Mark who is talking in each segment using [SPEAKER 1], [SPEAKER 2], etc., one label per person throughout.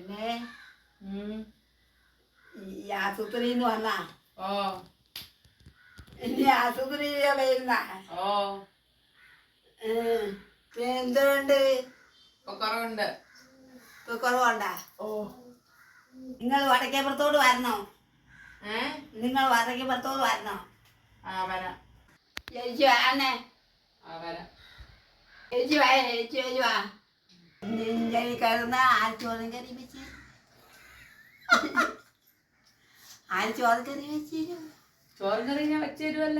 [SPEAKER 1] പിന്നെ ഈ ആശുപത്രിന്ന് വന്നാ ഇനി ആശുപത്രിയിലെ വരുന്ന എന്തുകൊണ്ട്
[SPEAKER 2] കുറവുണ്ട്.
[SPEAKER 1] കുറവുണ്ടാ? നിങ്ങൾ വടക്കേപ്പുറത്തോട് വരണോ? നിങ്ങൾ വടക്കേപ്പുറത്തോട് വരണോ? ചേച്ചി വാണേ, ചേച്ചി വാ, ചേച്ചി ചേച്ചി വാ. കിടന്ന ആഴ്ചോറും കറി വെച്ച് ആഴ്ചോറും കറി വെച്ച്
[SPEAKER 2] ചോറും കറി ഞാൻ വെച്ച് തരുമല്ല.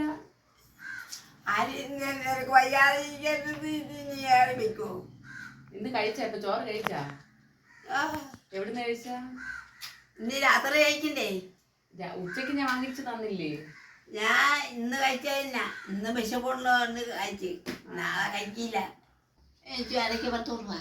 [SPEAKER 1] നിനക്ക് വയ്യാതിരിക്കരുത്, നീ ഏറെ വെക്കോ?
[SPEAKER 2] ഇന്ന് കഴിച്ചാ? ഇപ്പൊ ചോറ് കഴിച്ചാ? എവിടുന്ന് കഴിച്ചാ?
[SPEAKER 1] ഇന്ന് രാത്രി കഴിക്കണ്ടേ?
[SPEAKER 2] ഉച്ചക്ക് ഞാൻ വാങ്ങിച്ചു തന്നില്ലേ?
[SPEAKER 1] ഞാൻ ഇന്ന് കഴിച്ചില്ല, ഇന്ന് വിശപ്പുള്ളതുകൊണ്ട് കഴിച്ച്, നാളെ കഴിക്കില്ല. എനിക്ക് അരക്ക് 10 രൂപ.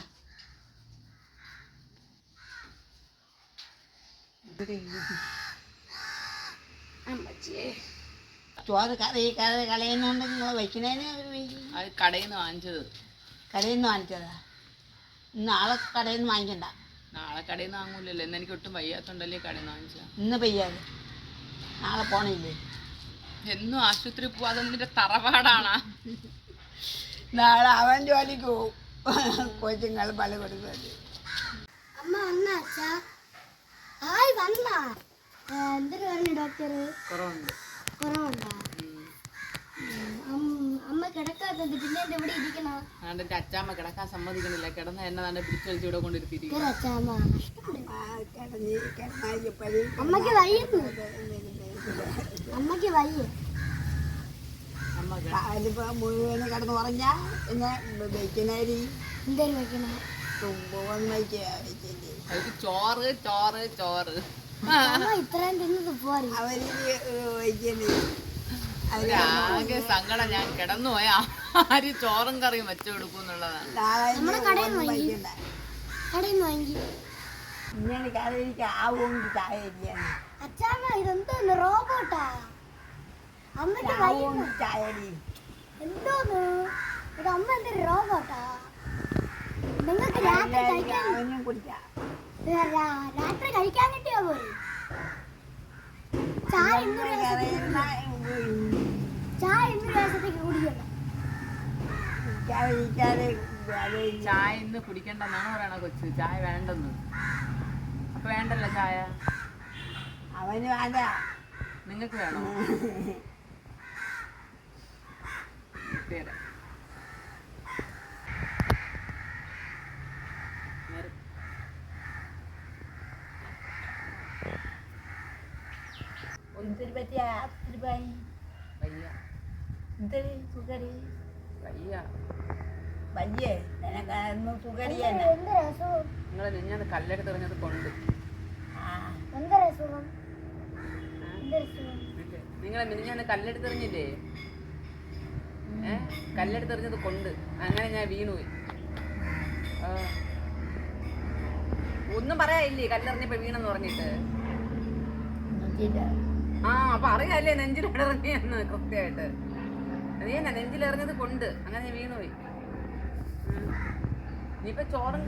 [SPEAKER 1] ചോറ് കറി കളയുന്നുണ്ട്. നിങ്ങൾ വയ്ക്കുന്നതിന്
[SPEAKER 2] അത് കടയിൽ നിന്ന് വാങ്ങിച്ചത്.
[SPEAKER 1] കടയിൽ നിന്ന് വാങ്ങിച്ചതാ? നാളെ കടയിൽ നിന്ന് വാങ്ങിക്കണ്ട.
[SPEAKER 2] നാളെ കടയിൽ നിന്ന് വാങ്ങൂലല്ലോ. ഇന്ന് എനിക്ക് ഒട്ടും വയ്യാത്തോണ്ടല്ലേ കടയിൽ നിന്ന് വാങ്ങിച്ചാ.
[SPEAKER 1] ഇന്ന് പെയ്യാതെ നാളെ പോണില്ലേ?
[SPEAKER 2] എന്നും ആശുപത്രി പോവാതെ നിന്റെ തറവാടാണ്.
[SPEAKER 1] നാളെ അവൻ ജോലിക്ക് പോവും, കൊച്ചുങ്ങൾ പല കൊടുക്കുന്നത്.
[SPEAKER 3] അമ്മ എന്തൊരു പറഞ്ഞു ഡോക്ടർ? കുറവുണ്ടോ? അമ്മ കിടക്കാത്തത് പിന്നെ ഇവിടെ ഇരിക്കണം.
[SPEAKER 2] എന്റെ അച്ചാമ്മ കിടക്കാൻ സമ്മതിക്കണില്ല. കിടന്ന എന്നെ തന്നെ പിടിച്ചു വലിച്ച് ഇവിടെ കൊണ്ടിരുത്തിയിരിക്കും.
[SPEAKER 3] അമ്മക്ക് വയ്യ, അമ്മക്ക് വയ്യ.
[SPEAKER 1] മുഴുവനും കിടന്ന് പറഞ്ഞാ പിന്നെ വെക്കണരി
[SPEAKER 3] എന്തേലും വെക്കണ
[SPEAKER 2] ചോറ് ചോറ് ചോറ്
[SPEAKER 3] ഇത്രയും തിന്നത് പോരെ.
[SPEAKER 1] അവര് വയ്ക്കണേ
[SPEAKER 2] ആകെ സങ്കടം. ഞാൻ കിടന്നു പോയാ ആര് ചോറും കറിയും വെച്ചു കൊടുക്കും എന്നുള്ളതാണ്.
[SPEAKER 3] അച്ഛാമ്മ ഇതെന്തോന്ന് റോബോട്ടാ? അമ്മക്ക് എന്തോന്ന് ഇത്? അമ്മ എന്തൊരു റോബോട്ടാ? നിങ്ങൾക്ക് രാത്രി കഴിക്കാൻ കിട്ടിയോ പോരെ? ചായ 200 ദിവസത്തേക്ക് കുടിക്കണ്ട.
[SPEAKER 2] ചായ ഇന്ന് കുടിക്കണ്ടെന്നാണ് പറയണ കൊച്ച്. ചായ വേണ്ടെന്ന്. അപ്പൊ വേണ്ടല്ലോ ചായ.
[SPEAKER 1] അവന് വേണ്ട,
[SPEAKER 2] നിങ്ങൾക്ക് വേണോ?
[SPEAKER 1] ഒന്നിന് പറ്റിയ വയ്യേ നിനക്കൊന്നും സുഖടിയല്ല.
[SPEAKER 2] നിങ്ങൾ ഞാൻ കല്ലെടുത്ത് എറിഞ്ഞത് കൊണ്ട് നിങ്ങളെ മിനിഞ്ഞാന്ന് കല്ലെടുത്തെറിഞ്ഞില്ലേ? കല്ലെടുത്തെറിഞ്ഞത് കൊണ്ട് അങ്ങനെ ഞാൻ വീണുപോയി. ഒന്നും പറയാനില്ലേ കല്ലെറിഞ്ഞപ്പോ വീണെന്ന് പറഞ്ഞിട്ട്? അപ്പൊ അറിയാല്ലേ നെഞ്ചിലിറങ്ങിയെന്ന് കൃത്യമായിട്ട്. അത് തന്നെ നെഞ്ചിലെറിഞ്ഞത് കൊണ്ട് അങ്ങനെ ഞാൻ വീണുപോയി. ഇനിയിപ്പൊ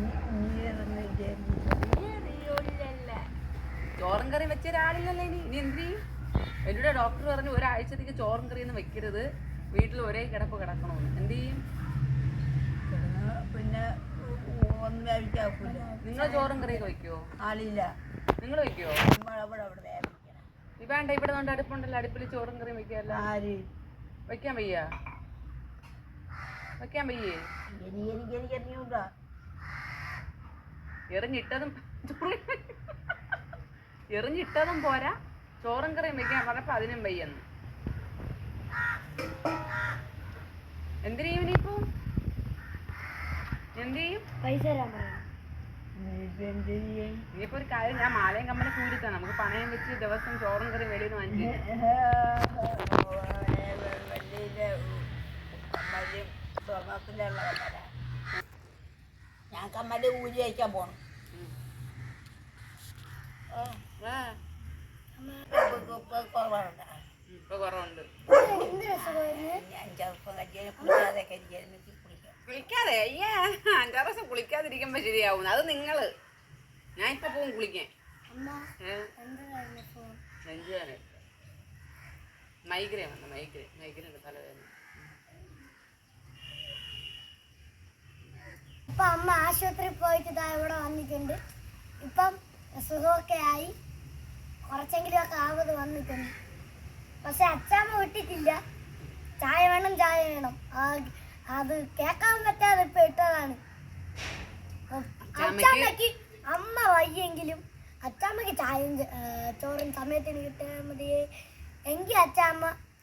[SPEAKER 2] ചോറും കറി വെച്ച ഒരാളില്ലല്ലോ ഇനി. ഇനി എന്ത് ചെയ്യും? എന്നോട് ഡോക്ടർ പറഞ്ഞു ഒരാഴ്ചത്തേക്ക് ചോറും കറിയൊന്നും വെക്കരുത്, വീട്ടിൽ ഒരേ കിടപ്പ് കിടക്കണമെന്ന്. എന്ത് ചെയ്യും?
[SPEAKER 1] പിന്നെ ഒന്നും കഴിക്കാക്കൂല.
[SPEAKER 2] നിങ്ങൾ ചോറും കറിയൊക്കെ വെക്കുവോ?
[SPEAKER 1] ആളില്ല.
[SPEAKER 2] നിങ്ങൾ വെക്കുവോ? വേണ്ട, ഇവിടെ കൊണ്ട് അടുപ്പുണ്ടല്ലോ, അടുപ്പിൽ ചോറും കറിയും വെക്കാല്ലോ.
[SPEAKER 1] ആര്
[SPEAKER 2] വെക്കാൻ വയ്യ? വെക്കാൻ വയ്യേ? എറിഞ്ഞിട്ടതും പോരാ, ചോറും കറിയും വെക്കാൻ പറഞ്ഞപ്പോ അതിനും വയ്യെന്ന്. എന്തിനു ചെയ്യും ഇനിയിപ്പോ? എന്ത് ചെയ്യും?
[SPEAKER 3] പൈസ തരാൻ പറയാം.
[SPEAKER 2] ഇനിയിപ്പോ ഒരു കാര്യം, ഞാൻ മാലയും കമ്മലും കൂടിത്താ, നമുക്ക് പണയം വെച്ച് ദിവസം ചോറും കറിയും വെളിയിൽ നിന്ന് വാങ്ങിച്ചു.
[SPEAKER 1] ഞാൻ കമ്മല് ഊരി അയക്കാൻ പോണം.
[SPEAKER 2] ഇപ്പൊ കുറവുണ്ട്.
[SPEAKER 1] ഞാൻ ചെറുപ്പം കല്യാണം കുളിക്കാതെയൊക്കെ
[SPEAKER 2] കുളിക്കാതെ? അയ്യാ, 5-6 ദിവസം കുളിക്കാതിരിക്കുമ്പോ ശരിയാവും. അത് നിങ്ങള് ഞാൻ ഇപ്പൊ പോകും കുളിക്കാൻ.
[SPEAKER 3] അമ്മ
[SPEAKER 2] ഏഹ്
[SPEAKER 3] എന്താ ഫോൺ
[SPEAKER 2] നെഞ്ചുവേദന മൈഗ്രേൻ വന്ന മൈഗ്രേൻ തലവേദന.
[SPEAKER 3] ഇപ്പൊ അമ്മ ആശുപത്രിയിൽ പോയിട്ട് ഇതാ ഇവിടെ വന്നിട്ടുണ്ട്. ഇപ്പം സുഖമൊക്കെ ആയി, കുറച്ചെങ്കിലും ഒക്കെ ആവത് വന്നിട്ടുണ്ട്. പക്ഷെ അച്ചാമ്മ വിട്ടിട്ടില്ല. ചായ വേണം ചായ വേണം, അത് കേൾക്കാൻ പറ്റാതെ ഇപ്പൊ ഇട്ടതാണ്. അച്ചാമ്മക്ക് അമ്മ വയ്യെങ്കിലും അച്ചാമ്മക്ക് ചായയും ചോറും സമയത്തിന് കിട്ടിയാൽ മതിയേ എങ്കിൽ അച്ചാമ്മ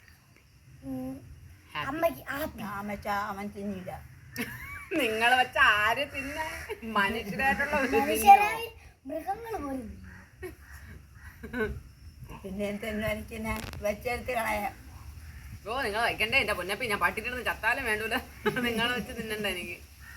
[SPEAKER 3] അമ്മക്ക്
[SPEAKER 1] അവൻ തിന്നില്ല.
[SPEAKER 2] നിങ്ങളെ വെച്ച ആര് തിന്ന മനുഷ്യരായിട്ടുള്ള ഒരു
[SPEAKER 3] മനുഷ്യരായി മൃഗങ്ങൾ പോലും.
[SPEAKER 1] പിന്നെ എന്തെങ്കിലും എനിക്ക് വെച്ചെടുത്ത് കളയാം.
[SPEAKER 2] ഓ നിങ്ങൾ വയ്ക്കണ്ടേ എന്റെ പൊന്നപ്പി, ഞാൻ പട്ടിട്ടിരുന്ന് ചത്താലും വേണ്ടൂല. നിങ്ങളെ വെച്ച് തിന്നണ്ട എനിക്ക്.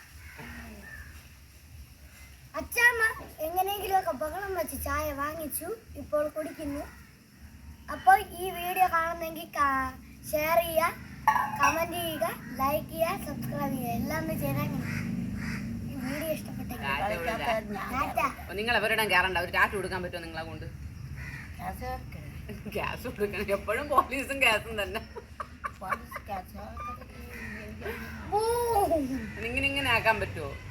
[SPEAKER 3] അച്ചാമ്മ എങ്ങനെയെങ്കിലും ഒക്കെ ബഹളം വെച്ച് ചായ വാങ്ങിച്ചു, ഇപ്പോൾ കുടിക്കുന്നു. അപ്പോൾ ഈ വീഡിയോ കാണുന്നെങ്കിൽ ഷെയർ ചെയ്യുക, കമന്റ് ചെയ്യുക, ലൈക്ക് ചെയ്യുക, സബ്സ്ക്രൈബ് ചെയ്യുക, എല്ലാം ഒന്ന് ചെയ്താൽ ഈ വീഡിയോ ഇഷ്ടപ്പെട്ടെങ്കിൽ
[SPEAKER 2] നിങ്ങൾ എവരിടാൻ കയറണ്ട. ഒരു ടാറ്റ കൊടുക്കാൻ പറ്റുമോ നിങ്ങളെ കൊണ്ട്? ഗ്യാസ് കൊടുക്കണം. എപ്പോഴും പോലീസും ഗ്യാസും തന്നെ. ഇങ്ങനെ ആക്കാൻ പറ്റുമോ?